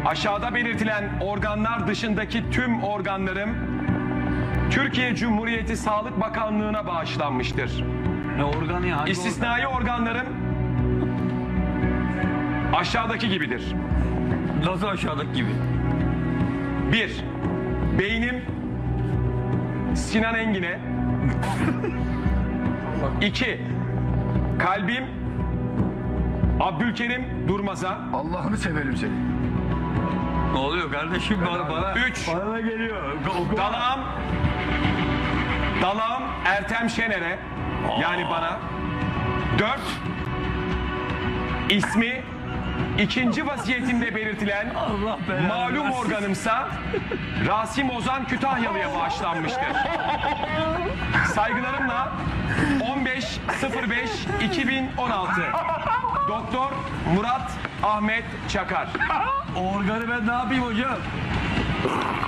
Aşağıda belirtilen organlar dışındaki tüm organlarım Türkiye Cumhuriyeti Sağlık Bakanlığı'na bağışlanmıştır. Ne organı ya? Hangi İstisnai organlarım aşağıdaki gibidir. organ? Nasıl aşağıdaki gibi? 1. Beynim Sinan Engin'e. 2. Kalbim Abdülkerim Durmaz'a. Allah'ını severim seni. Ne oluyor kardeşim bana? 3. Bana da geliyor. Dalağım Ertem Şener'e. Yani bana. 4. İsmi ikinci vasiyetimde belirtilen Allah belanı malum versin. organımsa Rasim Ozan Kütahyalı'ya bağışlanmıştır. Saygılarımla 15.05.2016 Doktor Murat Ahmet Çakar. O organı ben ne yapayım hocam?